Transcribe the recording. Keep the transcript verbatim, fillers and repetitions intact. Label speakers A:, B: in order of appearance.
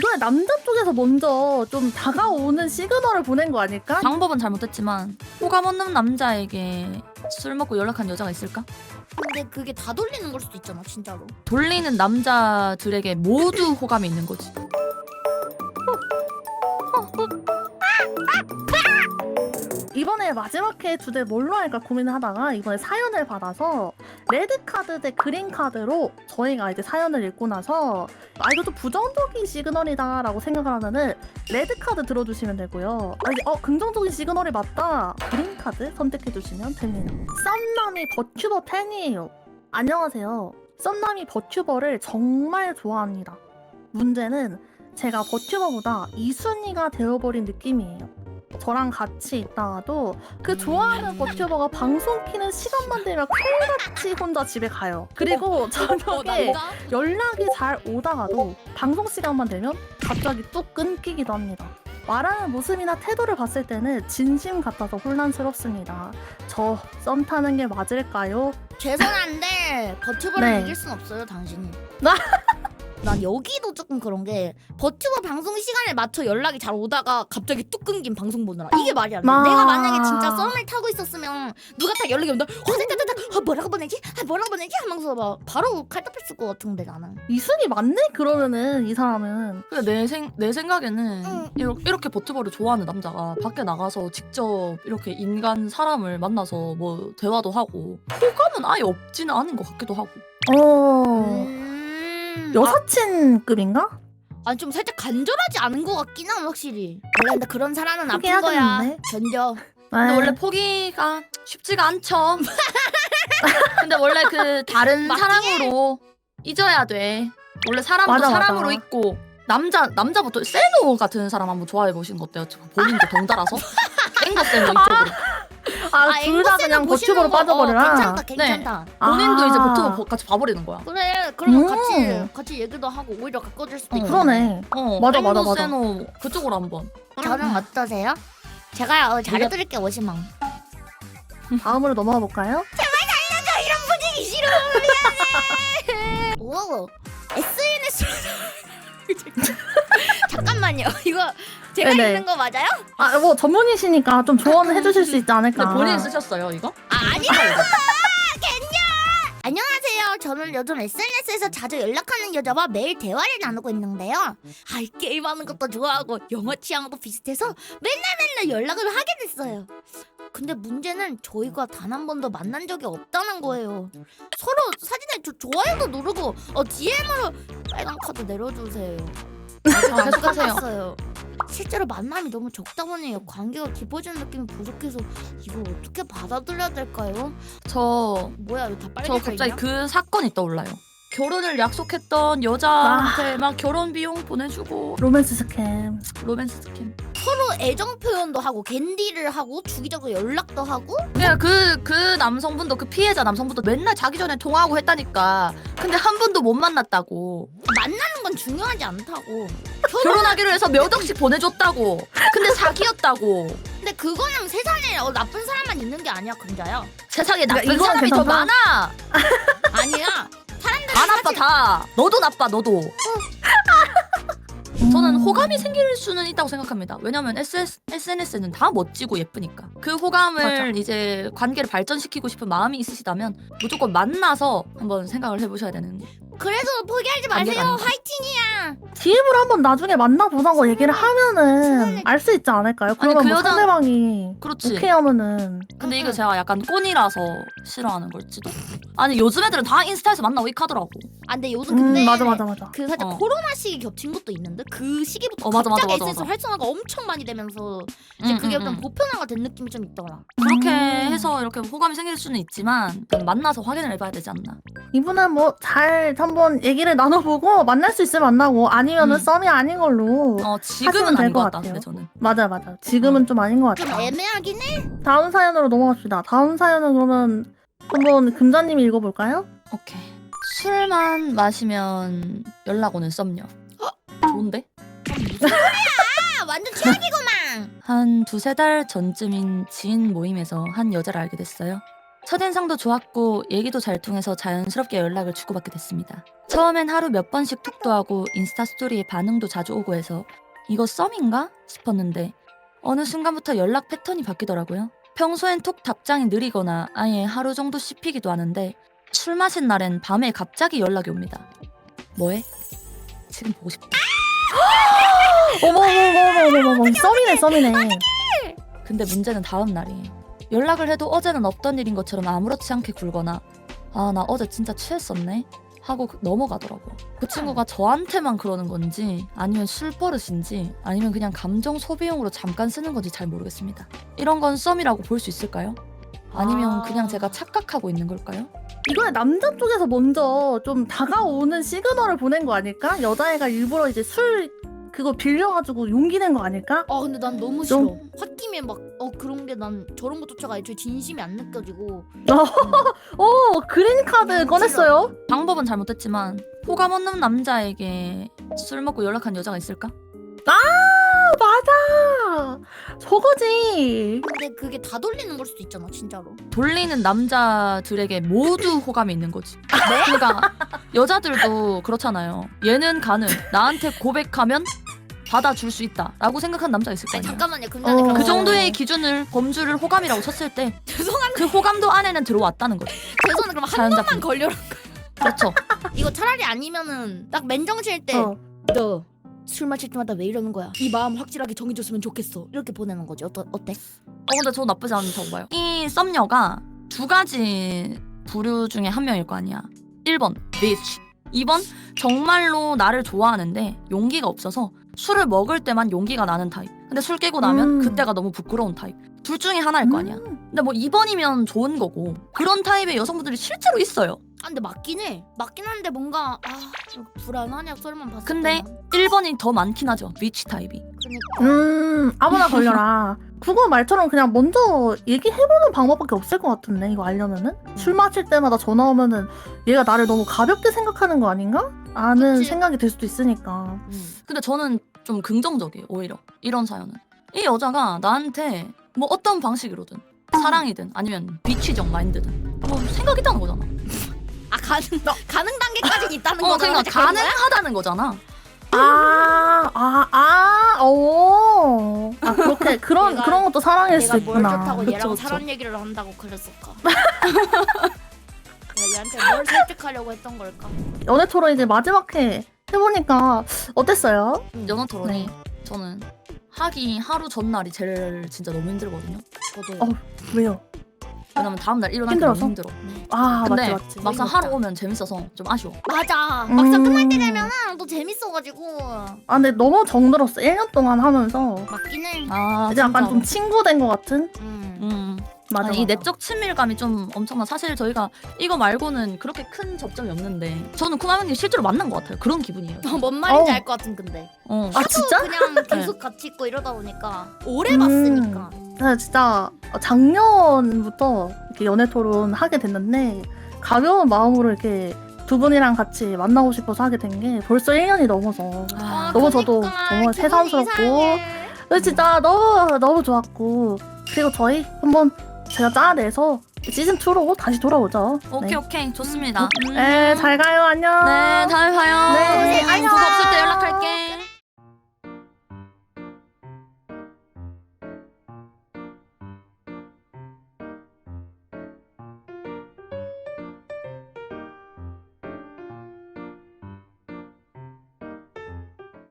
A: 이번에 남자 쪽에서 먼저 좀 다가오는 시그널을 보낸 거 아닐까?
B: 방법은 잘못했지만 호감 없는 남자에게 술 먹고 연락한 여자가 있을까?
C: 근데 그게 다 돌리는 걸 수도 있잖아 진짜로.
B: 돌리는 남자들에게 모두 호감이 있는 거지.
A: 이번에 마지막 회 주제 뭘로 할까 고민을 하다가 이번에 사연을 받아서 레드카드 대 그린카드로 저희가 이제 사연을 읽고 나서 아 이거 좀 부정적인 시그널이다 라고 생각을 하면은 레드카드 들어주시면 되고요. 아, 이제 어 긍정적인 시그널이 맞다 그린카드 선택해주시면 됩니다. 썸남이 버튜버 팬이에요. 안녕하세요. 썸남이 버튜버를 정말 좋아합니다. 문제는 제가 버튜버보다 이 순위가 되어버린 느낌이에요. 저랑 같이 있다가도 그 좋아하는 버튜버가 방송 키는 시간만 되면 칼같이 혼자 집에 가요. 그리고 저녁에 연락이 잘 오다가도 방송 시간만 되면 갑자기 뚝 끊기기도 합니다. 말하는 모습이나 태도를 봤을 때는 진심 같아서 혼란스럽습니다. 저 썸 타는 게 맞을까요?
C: 죄송한데 버튜버를
A: 네.
C: 이길 순 없어요 당신이.
A: 나-
C: 난 여기도 조금 그런 게 버튜버 방송 시간에 맞춰 연락이 잘 오다가 갑자기 뚝 끊긴 방송 보느라 이게 말이 안 돼.
A: 마-
C: 내가 만약에 진짜 썸을 타고 있었으면 누가 딱 연락이 온다. 허다다다다 아, 뭐라고 보내지? 아, 뭐라고 보내지? 하면서 막 바로 칼답했을 것 같은데 나는.
A: 이 순위 맞네? 그러면은 이 사람은
B: 근데 내, 생, 내 생각에는
C: 응.
B: 이렇게, 이렇게 버튜버를 좋아하는 남자가 밖에 나가서 직접 이렇게 인간 사람을 만나서 뭐 대화도 하고 호감은 아예 없지는 않은 것 같기도 하고.
A: 어...
C: 음...
A: 여사친급인가?
C: 아니 좀 살짝 간절하지 않은 것 같긴 함 확실히. 원래 근데 그런 사람은 아픈
A: 포기해야
C: 거야.
A: 되는데.
C: 견뎌.
B: 근데
A: 네.
B: 원래 포기가 쉽지가 않죠. 근데 원래 그 다른
C: 맞긴
B: 사람으로 잊어야 돼. 원래 사람도
A: 맞아, 맞아.
B: 사람으로 있고 남자 남자부터 세노 같은 사람 한번 좋아해 보시는 거 어때요? 본인도 덩달아서 앵거 세노 이쪽으로.
A: 아, 둘 다
C: 앵무새는
A: 그냥
C: 보시는
A: 버튜버로
C: 거,
A: 빠져버려라.
C: 어, 괜찮다 괜찮다.
B: 본인도
A: 아.
B: 이제 버튜버 보- 같이 봐버리는 거야.
C: 그래 그러면
A: 음.
C: 같이 같이 얘기도 하고 오히려 가까워질 수도
B: 어.
C: 있고.
A: 그러네.
B: 어,
A: 맞아,
B: 앵거
A: 맞아, 맞아.
B: 세노 그쪽으로 한번.
C: 저는 어떠세요? 제가 어, 잘해드릴게요 오십만.
A: 다음으로 넘어가 볼까요?
C: 이런 분위기 싫어. 미안해. 오 에스엔에스로 잠깐만요. 이거 제가
A: 네네.
C: 읽는 거 맞아요?
A: 아, 뭐 전문이시니까 좀 조언을 해주실 수 있지 않을까.
B: 근데 본인 쓰셨어요 이거?
C: 아 아니요. 안녕하세요. 저는 요즘 에스엔에스에서 자주 연락하는 여자와 매일 대화를 나누고 있는데요. 아, 게임하는 것도 좋아하고 영화 취향도 비슷해서 맨날 맨날 연락을 하게 됐어요. 근데 문제는 저희가 단 한 번도 만난 적이 없다는 거예요. 서로 사진에 조, 좋아요도 누르고 어, 디엠으로 빨간 카드 내려주세요.
B: 아, 계속하세요.
C: 어요 실제로 만남이 너무 적다 보니 관계가 깊어지는 느낌이 부족해서 이걸 어떻게 받아들여야 될까요?
B: 저
C: 뭐야 이거 다
B: 저
C: 빨개져
B: 갑자기
C: 있냐?
B: 그 사건이 떠올라요. 결혼을 약속했던 여자한테 막 결혼 비용 보내주고
A: 로맨스 스캠.
B: 로맨스 스킨.
C: 서로 애정 표현도 하고 캔디를 하고 주기적으로 연락도 하고
B: 그냥 그, 그 남성분도 그 피해자 남성분도 맨날 자기 전에 통화하고 했다니까. 근데 한 번도 못 만났다고.
C: 만나는 건 중요하지 않다고.
B: 결혼하기로 해서 몇 억씩 보내줬다고. 근데 사기였다고.
C: 근데 그거는 세상에 어, 나쁜 사람만 있는 게 아니야 금자야.
B: 세상에 나쁜
A: 그러니까 이거는
B: 사람이 더
A: 괜찮다.
B: 많아.
C: 아니야. 사람들은
B: 다 나빠
C: 사실-
B: 다. 너도 나빠 너도. 저는 호감이 생길 수는 있다고 생각합니다. 왜냐면 에스엔에스는 다 멋지고 예쁘니까. 그 호감을
A: 맞아.
B: 이제 관계를 발전시키고 싶은 마음이 있으시다면 무조건 만나서 한번 생각을 해보셔야 되는.
C: 그래서 포기하지
B: 관계가
C: 마세요.
B: 아닌가.
C: 화이팅이야.
A: 디엠으로 한번 나중에 만나보자고 얘기를 하면은 알 수 있지 않을까요? 그러면
B: 그
A: 뭐
B: 여자-
A: 상대방이
B: 그렇지.
A: 오케이 하면은
B: 근데 이게 제가 약간 꼰이라서 싫어하는 걸지도. 아니 요즘 애들은 다 인스타에서 만나고 이 카더라고.
C: 아 근데 요즘 근데
A: 음 맞아 맞아 맞아.
C: 그 살짝
B: 어.
C: 코로나 시기 겹친 것도 있는데 그 시기부터
B: 어, 맞아, 맞아,
C: 갑자기
B: 맞아,
C: 에스엔에스
B: 맞아.
C: 활성화가 엄청 많이 되면서 이제
B: 음,
C: 그게
B: 음,
C: 좀
B: 음.
C: 보편화가 된 느낌이 좀 있더라.
B: 그렇게
A: 음.
B: 해서 이렇게 호감이 생길 수는 있지만 만나서 확인을 해봐야 되지 않나.
A: 이분은 뭐 잘 한번 얘기를 나눠보고 만날 수 있으면 만나고 아니면은
B: 음.
A: 썸이 아닌 걸로.
B: 어 지금은
A: 하시면 될
B: 아닌
A: 것
B: 것 같다.
A: 같아요.
B: 근데 저는.
A: 맞아 맞아. 지금은 좀 아닌 것
C: 좀
A: 같아.
C: 애매하긴 해.
A: 다음 사연으로 넘어갑시다. 다음 사연은 그러면 한번 금자님이 읽어볼까요?
B: 오케이. 술만 마시면 연락 오는 썸녀. 좋은데?
C: 아 완전 최악이구만.
B: 한 두세 달 전쯤인 지인 모임에서 한 여자를 알게 됐어요. 첫인상도 좋았고 얘기도 잘 통해서 자연스럽게 연락을 주고받게 됐습니다. 처음엔 하루 몇 번씩 톡도 하고 인스타 스토리에 반응도 자주 오고 해서 이거 썸인가 싶었는데 어느 순간부터 연락 패턴이 바뀌더라고요. 평소엔 톡 답장이 느리거나 아예 하루 정도 씹히기도 하는데 술 마신 날엔 밤에 갑자기 연락이 옵니다. 뭐해? 지금 보고 싶다.
A: 어머머머머머머 썸이네 썸이네.
B: 근데 문제는 다음 날이에요. 연락을 해도 어제는 없던 일인 것처럼 아무렇지 않게 굴거나 아 나 어제 진짜 취했었네 하고 그- 넘어가더라고요. 그 친구가 저한테만 그러는 건지 아니면 술 버릇인지 아니면 그냥 감정 소비용으로 잠깐 쓰는 건지 잘 모르겠습니다. 이런 건 썸이라고 볼 수 있을까요? 아니면
C: 아.
B: 그냥 제가 착각하고 있는 걸까요?
A: 이거는 남자 쪽에서 먼저 좀 다가오는 시그널을 보낸 거 아닐까? 여자애가 일부러 이제 술 그거 빌려가지고 용기 낸 거 아닐까?
C: 아 근데 난 너무 싫어.
A: 좀-
C: 홧김에 막 어 그런 게 난 저런 것조차가 애초에 진심이 안 느껴지고.
A: 오 그린 카드
C: 음,
A: 꺼냈어요?
B: 방법은 잘못됐지만 호감 없는 남자에게 술 먹고 연락한 여자가 있을까?
A: 아 맞아 저거지.
C: 근데 그게 다 돌리는 걸 수도 있잖아 진짜로.
B: 돌리는 남자들에게 모두 호감이 있는 거지. 그러니까 여자들도 그렇잖아요. 얘는 가능. 나한테 고백하면 받아줄 수 있다라고 생각한 남자가 있을 거
C: 아니
B: 아니야.
C: 잠깐만요. 근데
A: 어.
C: 그럼
B: 그 정도의 기준을 범주를 호감이라고 쳤을 때 그
C: 죄송한데
B: 호감도 안에는 들어왔다는 거지.
C: 죄송한데 그럼 한
B: 사연자분.
C: 번만 걸려라.
B: 그렇죠.
C: 이거 차라리 아니면은 딱 맨정신일 때
A: 어.
C: 너 술 마실 때마다 왜 이러는 거야? 이 마음 확실하게 정해줬으면 좋겠어. 이렇게 보내는 거지. 어떠, 어때?
B: 어 근데 저 나쁘지 않다고 봐요. 이 썸녀가 두 가지 부류 중에 한 명일 거 아니야. 일 번 bitch, 이 번 정말로 나를 좋아하는데 용기가 없어서 술을 먹을 때만 용기가 나는 타입. 근데 술 깨고 나면
A: 음.
B: 그때가 너무 부끄러운 타입. 둘 중에 하나일 거 아니야.
A: 음.
B: 근데 뭐 이 번이면 좋은 거고 그런 타입의 여성분들이 실제로 있어요.
C: 아 근데 맞긴 해. 맞긴 한데 뭔가 아 이거 불안하냐 썰만 봤을
B: 근데
C: 때는.
B: 일 번이 더 많긴 하죠. bitch 타입이.
C: 그러니까
A: 음 아무나 걸려라. 그거 말처럼 그냥 먼저 얘기해보는 방법밖에 없을 것 같은데 이거 알려면은 술 마실 때마다 전화 오면은 얘가 나를 너무 가볍게 생각하는 거 아닌가? 라는
C: 그치.
A: 생각이 들 수도 있으니까.
C: 음.
B: 근데 저는 좀 긍정적이에요. 오히려 이런 사연은 이 여자가 나한테 뭐 어떤 방식으로든 사랑이든 아니면 비취적 마인드든 뭐 생각 있다는 거잖아.
C: 아 가능 가능 단계까지 있다는
B: 어
C: 거잖아.
B: 그러니까 가능하다는 거잖아.
A: 아, 아, 아, 오. 아, 그렇게, 그런,
C: 내가-
A: 그런 것도 사랑일 수
C: 내가 뭘
A: 있구나.
C: 좋다고
B: 그쵸,
C: 얘랑
B: 그쵸.
C: 사랑 얘기를 한다고 그랬을까? 내가 얘한테 뭘 설득하려고 했던 걸까?
A: 연애 토론 이제 마지막 회 해보니까 어땠어요?
B: 연어 토론이
A: 네.
B: 저는 하기 하루 전날이 제일 진짜 너무 힘들거든요.
C: 저도요.
A: 어. 왜요?
B: 왜냐면 다음 날 일어나기 너무
A: 힘들어서?
B: 힘들어.
A: 아,
B: 근데
A: 맞지, 맞지.
B: 막상
C: 어이가
B: 하루
C: 없다.
B: 오면 재밌어서 좀 아쉬워.
C: 맞아.
A: 음.
C: 막상 끝날 때 되면은 또 재밌어가지고
A: 아, 근데 너무 정들었어. 일 년 동안 하면서.
C: 맞긴 해.
B: 아
A: 이제 약간
B: 진짜로.
A: 좀 친구 된 것 같은?
C: 음.
B: 음.
A: 맞아.
B: 아니, 이
A: 맞아.
B: 내적 친밀감이 좀 엄청나. 사실 저희가 이거 말고는 그렇게 큰 접점이 없는데 저는 쿠마명님 실제로 만난 것 같아요. 그런 기분이에요.
C: 어, 뭔 말인지
A: 어.
C: 알 것 같은 근데.
B: 어.
A: 아, 진짜?
C: 그냥 계속 같이 있고 이러다 보니까 오래
A: 음.
C: 봤으니까.
A: 네, 진짜 작년부터 이렇게 연애 토론 하게 됐는데 가벼운 마음으로 이렇게 두 분이랑 같이 만나고 싶어서 하게 된 게 벌써 일 년이 넘어서
B: 아,
A: 너무 저도
C: 그러니까
A: 정말
C: 기분이
A: 새삼스럽고
C: 이상해.
A: 근데 진짜 너무 너무 좋았고 그리고 저희 한번 제가 짜내서 시즌이로 다시 돌아오죠.
B: 오케이
A: 네.
B: 오케이 좋습니다. 음.
A: 네, 잘 가요. 안녕.
B: 네 다음에 봐요.
A: 네,
B: 음,
A: 안녕.
B: 그거 없을 때 연락할게.